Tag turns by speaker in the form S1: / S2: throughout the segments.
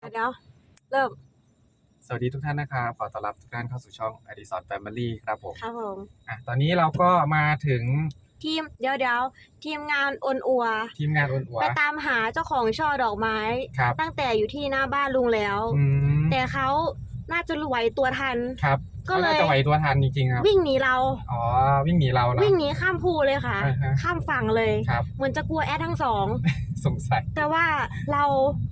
S1: เดี๋ยวเริ่ม
S2: สวัสดีทุกท่านนะครับขอต้อนรับทุกท่านเข้าสู่ช่องอดิศรแฟมิลี่ครับผม
S1: ครับผม
S2: ตอนนี้เราก็มาถึง
S1: ทีมเดี๋ยวทีมงานอนอัว
S2: ทีมงานอ้วนอัว
S1: ไปตามหาเจ้าของช่อดอกไม้
S2: ครับ
S1: ตั้งแต่อยู่ที่หน้าบ้านลุงแล้วแต่เขาน่าจะไหวตัวทัน
S2: ครับก็เลยจะไหวตัวทันจริงๆครับ
S1: วิ่งหนีเรา
S2: อ๋อวิ่งหนีเรานะ
S1: วิ่งหนีข้ามภูเลยค่ะข้ามฝั่งเลย
S2: ครับ
S1: เหมือนจะกลัวแอดทั้งสอง
S2: สงสัย
S1: แต่ว่าเรา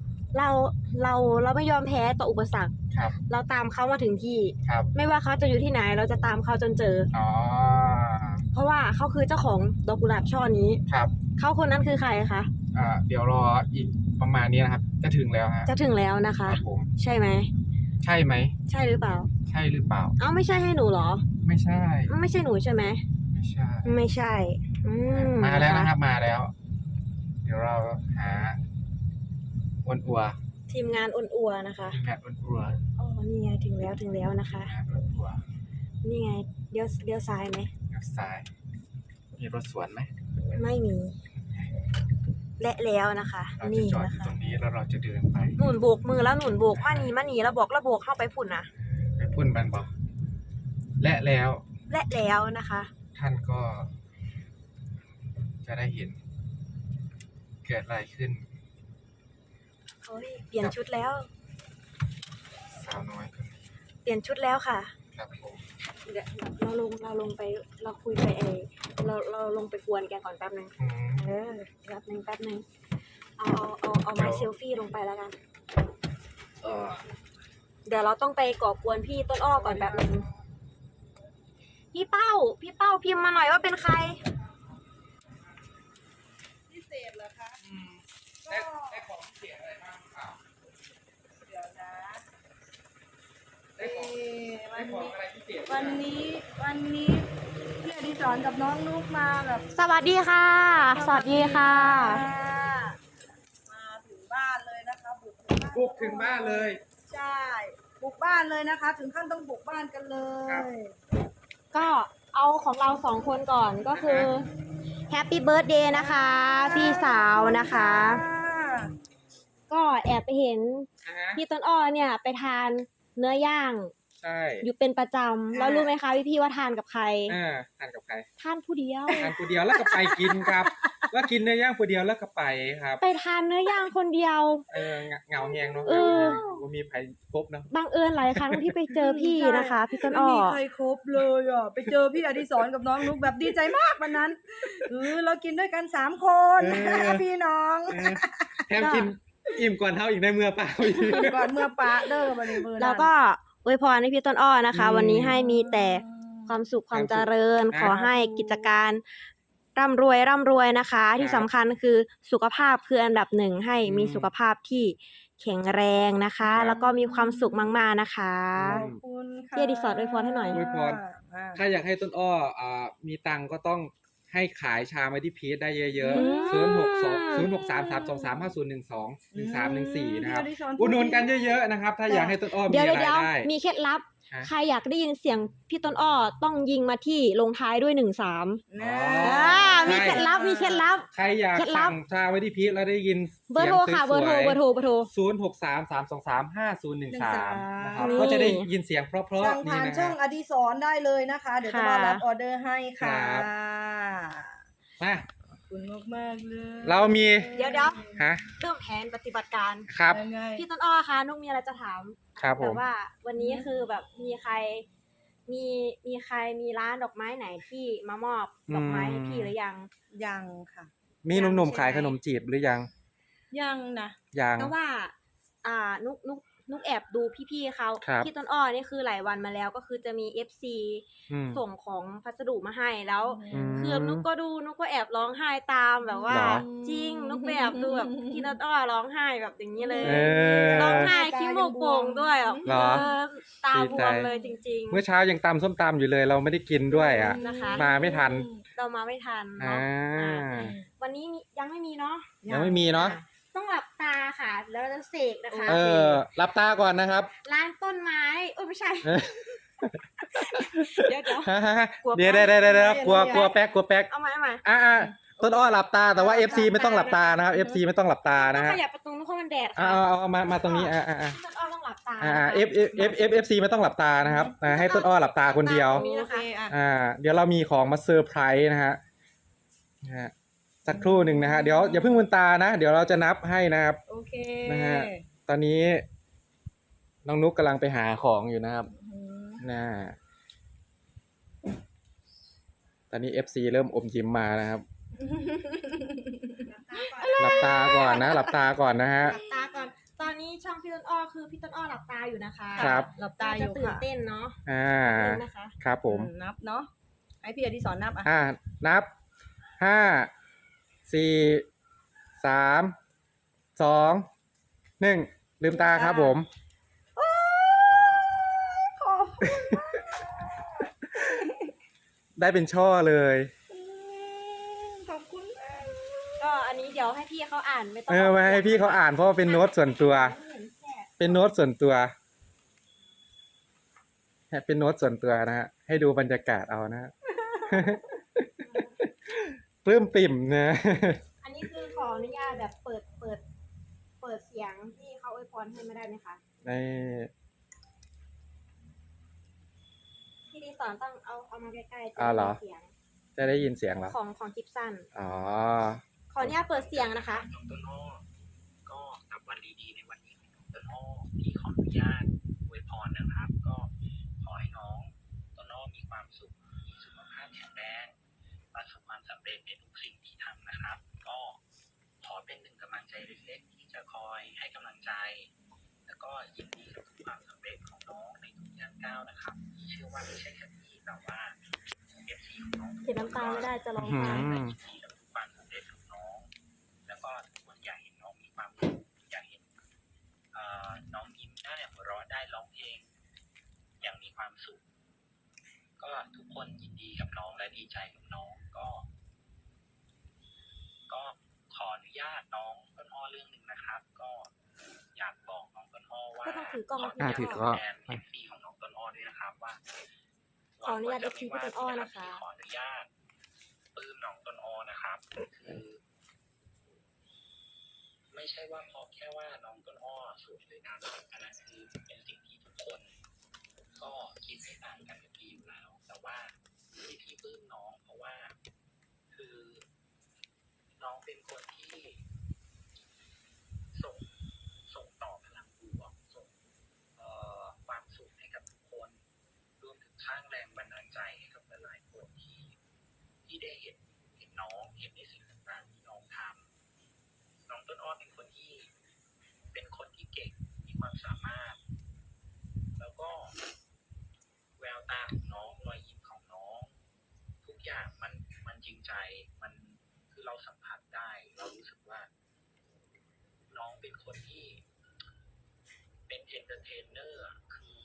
S1: ไม่ยอมแพ้ต่ออุปสรรค
S2: ครับ
S1: เราตามเขามาถึงที่
S2: ครับ
S1: ไม่ว่าเขาจะอยู่ที่ไหนเราจะตามเขาจนเจอ
S2: อ๋อ
S1: เพราะว่าเขาคือเจ้าของดอกกุหลาบช่อนี้
S2: ครับ
S1: เขาคนนั้นคือใครคะ
S2: เดี๋ยวรออีกประมาณนี้นะครับจะถึงแล้วฮะ
S1: จะถึงแล้วนะคะ
S2: ครับผม
S1: ใช่ไหม
S2: ใช่ไหม
S1: ใช่หรือเปล่า
S2: ใช่หรือเปล่า
S1: ไม่ใช่ให้หนูเหรอ
S2: ไม่ใช่
S1: ไม่ใช่หนูใช่ไหม
S2: ไม่ใช่
S1: ไม่ใช่
S2: มาแล้วนะครับมาแล้วเดี๋ยวเราหาอ้วนอัว
S1: ทีมงานอนอัวนะคะ
S2: ทีมงานอ้วนอัว
S1: นี่ไงถึงแล้วนะคะ
S2: อ้วนอัว
S1: นี่ไงเลี้ยวซ้ายไหม
S2: เลี้ยวซ้ายมีรถสวนไหม
S1: ไม่มีและแล้วนะคะ
S2: เราจะจอดอยู่ตรงนี้แล้วเราจะเดินไป
S1: หนุนโบกมือแล้วหนุนโบกมานี่แล้วบอกเข้าไปพุ่นนะ
S2: ไปพุ่นบันบอกและแล้ว
S1: นะคะ
S2: ท่านก็จะได้เห็นเกิดอะไรขึ้น
S1: เปลี่ยนชุดแล้ว
S2: สาวน้อยคนนี้
S1: เปลี่ยนชุดแล้วค่ะ
S2: ครับผม
S1: เดี๋ยวเราลงไปเราคุยไปเราลงไปกวนแกก่อนแป๊บนึงแป๊บนึงเอาไม้เซลฟี่ลงไปแล้วกันเดี๋ยวเราต้องไปก่อกวนพี่ต้นอ้อก่อนแป๊บนึงพี่เป้าพิมพ์มาหน่อยว่าเป็นใคร
S3: พิเศษเหรอคะ
S2: ได้ของพิเศษอะไรบ้างเปล่า
S3: เดี๋ยวนะ
S2: ได้ของอะไรพิเศษ
S3: วันนี้พี่อดิศรกับน้องนุ๊กมาแบบ
S1: สวัสดีค่ะสวัสดีค่ะ
S3: มาถึงบ้านเลยนะคะ
S2: บุกถึงบ้านเลย
S3: ใช่บุกบ้านเลยนะคะถึงขั้นต้องบุกบ้านกันเลย
S1: ก็เอาของเรา2 คนก่อนก็คือแฮปปี้เบิร์ธเดย์นะคะพี่สาวนะคะก็แอบไปเห็นพี่ต้นอ้อเนี่ยไปทานเนื้อย่าง
S2: ใช่
S1: อยู่เป็นประจำแล้วรู้ไหมคะพี่ว่าทานกับใคร
S2: ทานกับใคร
S1: ทานผู้เดียว
S2: แล้วก็ไปกินครับแล้วกินเนื้อย่างผู้เดียวแล้วก็ไปครับ
S1: ไปทานเนื้อย่างคนเดียว
S2: เหงาแหงเนาะว่ามีใครครบเนาะ
S1: บังเอิญหลายครั้งที่ไปเจอพี่นะคะพี่ต้นอ้อ
S3: ไม่มีใครครบเลยไปเจอพี่อดิศรกับน้องนุ๊กแบบดีใจมากวันนั้นเรากินด้วยกัน3 คนพี่น้อง
S2: แถมกินอิ่มก่อนเท่าอีกในเมื่อเปล่า
S3: ก่อนเมื่อปะเด้อวันนี้
S1: แล้วก็อวยพรให้พี่ต้นอ้อนะคะวันนี้ให้มีแต่ความสุขความเจริญขอให้กิจการร่ำรวยนะคะที่สำคัญคือสุขภาพคืออันดับ1ให้มีสุขภาพที่แข็งแรงนะคะแล้วก็มีความสุขมากๆนะคะ
S3: ขอบคุณค่ะ
S1: พี่อดิศรอวยพรให้หน่อย
S2: อวยพรถ้าอยากให้ต้นอ้อมีตังก็ต้องให้ขายชาไมที่พีชได้เยอะๆ06233250121314นะครับอุดหนุนกันเยอะๆนะครับถ้าอยากให้ต้นอ้อมีรายได้
S1: มีเคล็ดลับใครอยากได้ยินเสียงพี่ต้นอ้อต้องยิงมาที่ลงท้ายด้วย13มีเคล็ดลับ
S2: ใครอยากสั่งชาไว้ที่พีชแล้วได้ยิน
S1: เบอร์โทรค่ะเบอร์โทร
S2: 0633225013นะครับก็จะได้ยินเสียงเพราะๆ
S3: นี่นะช่องอดิศรได้เลยนะคะเดี๋ยวจะมารับออเดอร์ให้ค่ะ
S2: มา
S3: ขอบคุณมากๆเลย
S2: เรามี
S1: เดี๋ยวเริ่มแผนปฏิบัติการ
S2: ครับ
S1: พี่ต้นอ้อคะนุ๊กมีอะไรจะถาม
S2: ครับผม
S1: แต่ว่าวันนี้คือแบบมีใครมีร้านดอกไม้ไหนที่มามอบดอกไม้ให้พี่หรือ
S3: ยังค่ะ
S2: มีหนุ่มๆขายขนมจีบหรือยัง
S3: นะ
S1: แต่ว่านุกแอบดูพี่ๆเขาที่ต้นอ้อนี่คือหลายวันมาแล้วก็คือจะมี FC ส่งของพัสดุมาให้แล้วคือนุกก็แอบร้องไห้ตามแบบว่าจริงนุกแบบดูแบบที่ต้นอ้อร้องไห้แบบอย่างนี้เลยร้องไห้ขี้มูกโป่งด้วยตาบวมเลยจริงๆ
S2: เมื่อเช้ายังตำส้มตำอยู่เลยเราไม่ได้กินด้วยมาไม่ทัน
S1: เรามาไม่ทันเนาะวันนี้ยังไม่มีเนาะ
S2: ยังไม่มีเนาะ
S1: ต้องหลับตาค่ะแล้วเราจะเสกนะคะ
S2: หลับตาก่อนนะครับ
S1: ร้านต้นไม้ไม่ใช่เดี๋ยว
S2: ได้กลัวแป๊ก
S1: เอาใหม่
S2: ต้นอ้อหลับตาแต่ว่า FC ไม่ต้องหลับตานะครับ FC ไม่ต้องหลับตานะ
S1: ต้อง
S2: ฮะ
S1: ขยับประตูเพราะมันแดด
S2: เอา
S1: ค่ะ
S2: เอามาตรงนี้
S1: พี่ต้นอ้อต้องหลับตา
S2: FC ไม่ต้องหลับตานะครับให้ต้นอ้อหลับตาคนเดียว
S1: ตรงนี้นะคะ
S2: เดี๋ยวเรามีของมาเซอร์ไพรส์นะฮะสักครู่หนึ่งนะฮะเดี๋ยวอย่าเพิ่งลืมตานะเดี๋ยวเราจะนับให้นะครับ
S3: โอเค
S2: นะฮะ ตอนนี้น้องนุ๊กกำลังไปหาของอยู่นะครับนะตอนนี้ FC เริ่มอมยิ้มมานะครับ หลับตาก่อนนะหลับตาก่อนนะฮะ
S1: หลับตาก่อนตอนนี้ช่องพี่ต้นอ้อคือพี่ต้นอ้อหลับตาอยู่นะคะ
S2: ครับ
S3: หลับตาอยู่
S1: จะตื่น
S3: ค่ะ
S1: เต้นเนาะ
S2: ตื่น
S1: เต้นนะคะ
S2: ครับผม
S3: นับเนาะให้พี่อดิศรนับอ่ะ
S2: นับ 5 4 3 2 1 ลืมตาครับผม ได้เป็นช่อเลย
S3: ขอบคุณมาก
S1: ก็อันนี้เดี๋ยวให้พี่เขาอ่านไม่ต้อง
S2: มาให้พี่เขาอ่านเพราะว่าเป็นโน้ตส่วนตัว เป็นโน้ตส่วนตัวเป็นโน้ตส่วนตัวนะฮะให้ดูบรรยากาศเอานะฮะ ปลื้มปิ่มนะ
S1: อันนี้คือขออนุญาตแบบเปิดเสียงที่เขาอวยพรให้ไม่ได้ไหมคะ
S2: ใน
S1: พี่ดีสอนต้องเอามาใกล้ๆจะ
S2: เหรอ
S1: เสียง
S2: จะได้ยินเสียงเหรอ
S1: ของคลิปสั้น
S2: อ๋อ
S1: ขออนุญาตเปิดเสียงนะคะ
S4: น้องต้นอ้อก็กับวันดีๆในวันนี้ของน้องต้นอ้อพี่ขออนุญาตอวยพรนะครับ ก็ขอให้น้องต้นอ้อมีความสุขมีสุขภาพแข็งแรงประสบความสำเร็จในทุกสิ่งที่ทำนะครับ ก็ขอเป็นหนึ่งกำลังใจเล็กๆที่จะคอยให้กำลังใจ แล้วก็ยินดีกับทุกความสำเร็จของน้องในทุกย่างก้าวนะครับเชื่อว่าไม่ใช่แค่พี่แต่ว่าเอฟซีของน้อง
S1: เห็นน้ำตาไม่ได้จะร้อง
S2: อื
S1: ไห้
S2: ม
S4: ยินดีกับทุกความสำเร็จของน้อง แล้วก็ทุกคนอยากเห็นน้องมีความสุขอยากเห็นน้องยิ้มได้หัวเราะได้ร้องเพลงอย่างมีความสุข ก็ทุกคนยินดีกับน้องและดีใจกับน้องก็ขออนุญาตน้องต้นอ้อเรื่องหนึ่งนะครับ ก็อยากบอกน้องต้นอ้อว่า
S1: ก็ต้องถือกล้อง
S2: ถือกล้อง
S4: แทนเอฟซีของน้องต้นอ้อด้วยนะครับว่า
S1: ขออนุญาต FC พี่ต้นอ้อนะคะ
S4: ขออนุญาตปลื้มน้องต้นอ้อนะครับคือไม่ใช่ว่าเพราะแค่ว่าน้องต้นอ้อสวยหรืองามอันนั้นคือเป็นสิ่งที่ทุกคน ก็คิดไม่ต่างกันกับพี่อยู่แล้ว แต่ว่าที่พี่ปลื้มน้องเพราะว่า คือน้องเป็นคนที่ส่งต่อพลังบวกส่งความสุขให้กับทุกคนรวมถึงสร้างแรงบันดาลใจให้กับหลายๆคนที่ได้เห็นน้องเห็นในสิ่งต่างๆที่น้องทำน้องต้นอ้อเป็นคนที่เก่งมีความสามารถ แล้วก็แววตาของน้องรอยยิ้มของน้อง ทุกอย่างมันจริงใจมันคือเราสัมผัสได้ เรารู้สึกว่า น้องเป็นคนที่เป็นเอนเตอร์เทนเนอร์คือ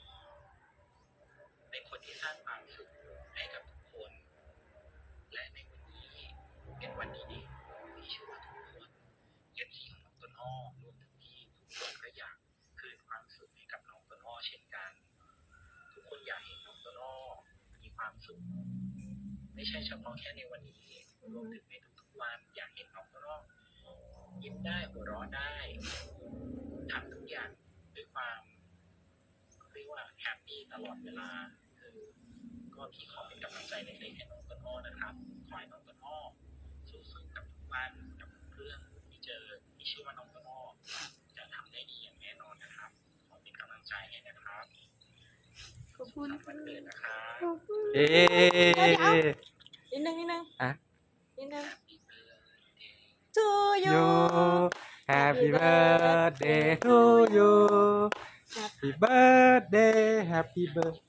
S4: เป็นคนที่สร้างความสุขให้กับทุกคน และในวันนี้เป็นวันดีๆที่เชื่อว่าทุกคนเอฟซีของน้องต้นอ้อรวมถึงพี่ทุกคนก็อยากคืนความสุขให้กับน้องต้นอ้อเช่นกัน ทุกคนอยากเห็นน้องต้นอ้อมีความสุขไม่ใช่เฉพาะแค่ในวันนี้รวมถึงในทุกๆวันอยากเห็นน้องต้นอ้อยิ้มได้หัวเราะได้ทำทุกอย่างด้วยความเรียกว่าแฮปปี้ตลอดเวลาคือก็พี่ขอเป็นกำลังใจเล็กๆให้น้องต้นอ้อนะครับขอให้น้องต้นอ้อสู้ๆกับทุกวันกับทุกเรื่องที่เจอที่เชื่อว่าน้องต้นอ้อจะทำได้ดีอย่างแน่นอนนะครับขอเป็นกำลังใจให้นะครับ
S3: ขอบคุณ
S4: วันเกิดนะครับ
S2: เอ๊
S1: นิดนึง
S2: ะ
S1: นิดนึง
S4: Happy birthday
S1: to you
S2: you Happy birthday to you Happy birthday Happy birthday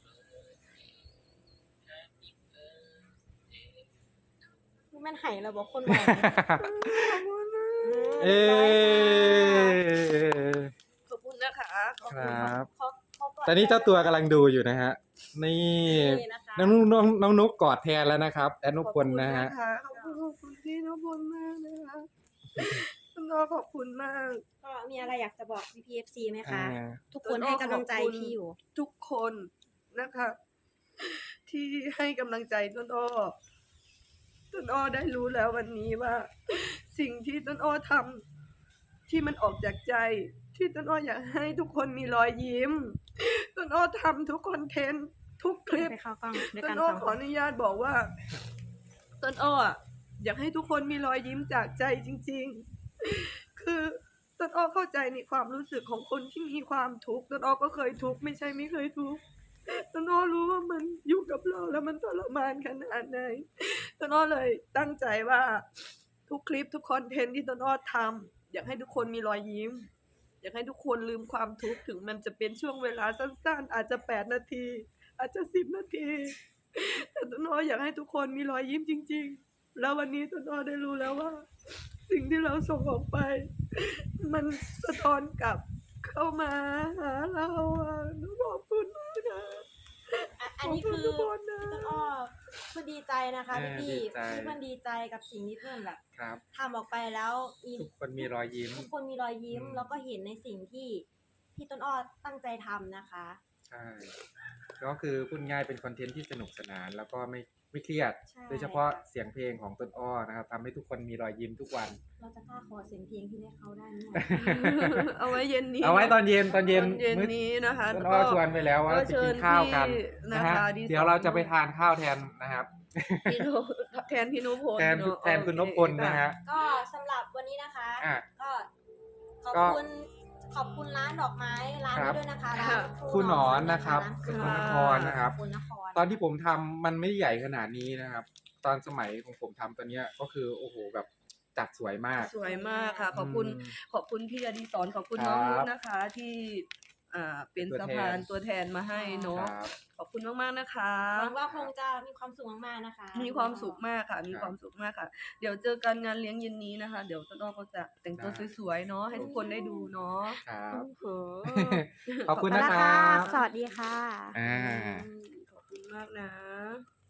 S1: นี่มันไหเราบอกคนบอก
S2: เอ๊
S3: ขอบคุณนะคะขอบ
S2: ค
S3: คุณ
S2: รับ
S1: เขาก่
S2: ตอนนี้เจ้าตัวกำลังดูอยู่นะฮะ นี่
S1: นี่นะคะ
S2: น้องนุ๊กกอดแทนแล้วนะครับแอดนุพลนะฮะ
S3: ขอบคุณพี่นพลมากนะคะคุณน้อขอบคุณมาก
S1: ก็มีอะไรอยากจะบอก PPFC ไหมคะ
S2: อ่า
S1: ทุกคนให้กำลังใจพี่อยู่
S3: ทุกคนนะคะ ที่ให้กำลังใจต้นอ้อต้นอ้อได้รู้แล้ววันนี้ว่า สิ่งที่ต้นอ้อทำที่มันออกจากใจที่ต้นอ้ออยากให้ทุกคนมีรอยยิ้มต้นอ้อทำทุกคอนเทนต์ทุกคลิป
S1: ไปเข้ากล้องด้วย
S3: ต้
S1: กัน
S3: นอ้อ
S1: สอง
S3: ข
S1: ค
S3: อน อนุญาตบอกว่าต้นอ้ออยากให้ทุกคนมีรอยยิ้มจากใจจริงๆ คือต้นอ้อเข้าใจในความรู้สึกของคนที่มีความทุกข์ต้นอ้อก็เคยทุกข์ไม่ใช่ไม่เคยทุกข์ต้นอ้อรู้ว่ามันอยู่กับเราแล้วมันทรมานขนาดไหนต้นอ้อเลยตั้งใจว่าทุกคลิปทุกคอนเทนต์ที่ต้นอ้อทำอยากให้ทุกคนมีรอยยิ้ม อยากให้ทุกคนลืมความทุกข์ถึงมันจะเป็นช่วงเวลาสั้นๆ อาจจะ8 นาที อาจจะ10 นาที แต่ต้นอ้ออยากให้ทุกคนมีรอยยิ้มจริงๆ แล้ววันนี้ต้นอ้อได้รู้แล้วว่า สิ่งที่เราส่งออกไป มันสะท้อนกลับเข้ามาหาเราอะหนูขอบคุณมากนะ
S1: อันนี้คือ
S3: ขบณทุกคนนะ
S1: ต้นอ้อเพื่อนดีใจนะคะพี่
S2: ดีใจ
S1: ที่เพื่อนดีใจกับสิ่งที่เพื่อนแบบ
S2: ครับ
S1: ทำออกไปแล้วมี
S2: ทุกคนมีรอยยิ้ม
S1: ทุกคนมีรอยยิ้ม
S2: อืม
S1: แล้วก็เห็นในสิ่งที่ต้นอ้อตั้งใจทำนะคะ
S2: ใช่ ก็คือพูดง่ายเป็นคอนเทนต์ที่สนุกสนานแล้วก็ไม่เครียด
S1: ใช่
S2: โดยเฉพาะเสียงเพลงของต้นอ้อนะครับทำให้ทุกคนมีรอยยิ้มทุกวัน
S1: เราจะกล้าขอเสียงเพลงที่ได้เขาได้ไหม
S3: เอาไว้เย็นนี้
S2: เอาไว้ตอนเย็นตอนเย็น
S3: มื้อนี้นะคะ
S2: ต้นอ้อชวนไปแล้วว่า
S3: ก็
S2: จะ
S3: เชิ
S2: กิ
S3: ญ
S2: นข้าวกัน
S3: พี่
S2: นะ
S3: นะคะ
S2: ฮะ
S3: ดี
S2: เดี๋ยวเราจะไปทานข้าวแทนนะครับ
S3: พี่โนแทนพี่นพพล
S2: แทน
S3: เอะ
S2: แทนคุณนพพลนะฮะ
S1: ก็สำหรับวันนี้นะคะ
S2: อ่ะ
S1: ก็ขอบ
S2: ก็
S1: คุณขอบคุณร้านดอกไม้ร้าน
S2: ครั
S1: นี้
S2: บ
S1: ด้วยนะคะร้าน
S2: ครูหนอนนะครับ
S1: ร้าน
S2: ส
S1: ครู
S2: ก
S1: ห
S2: ล
S1: นอน
S2: นครนะครับ
S1: สกลนคร
S2: ตอนที่ผมทำมันไม่ได้ใหญ่ขนาดนี้นะครับ ตอนสมัยของผมทำตอนเนี้ยก็คือโอ้โหแบบจัดสวยมาก
S3: สวยมากค่ะ ขอบคุณ
S2: อืม
S3: ขอบคุณพี่อดิศรขอบคุณ
S2: ครับ
S3: น้องนุชนะคะ ที่เป็น
S2: ตัว
S3: สะ
S2: แทน
S3: พานตัวแทนมาให้เนาะ
S2: ครับ
S3: ขอบคุณมากๆนะคะ
S1: หวังว่าคงจะมีความสุขมากๆนะคะ
S3: มีความสุขมากค่ะ มี
S2: ครับ
S3: ความสุขมากค่ะ เดี๋ยวเจอกันงานเลี้ยงเย็นนี้นะคะ เดี๋ยวต้นอ้อก็จะแต่งตัว
S2: ได้
S3: สวยๆเนาะให้ทุกคนได้ดูเนาะ
S2: ครับ
S3: โอ้โห
S2: ขอบคุณ
S1: ไป
S2: นะ
S1: แล้ว
S2: ค
S1: ค่ะ
S2: รับ
S1: สวัสดีค่ะ
S2: อ่า
S3: ขอบคุณมากนะ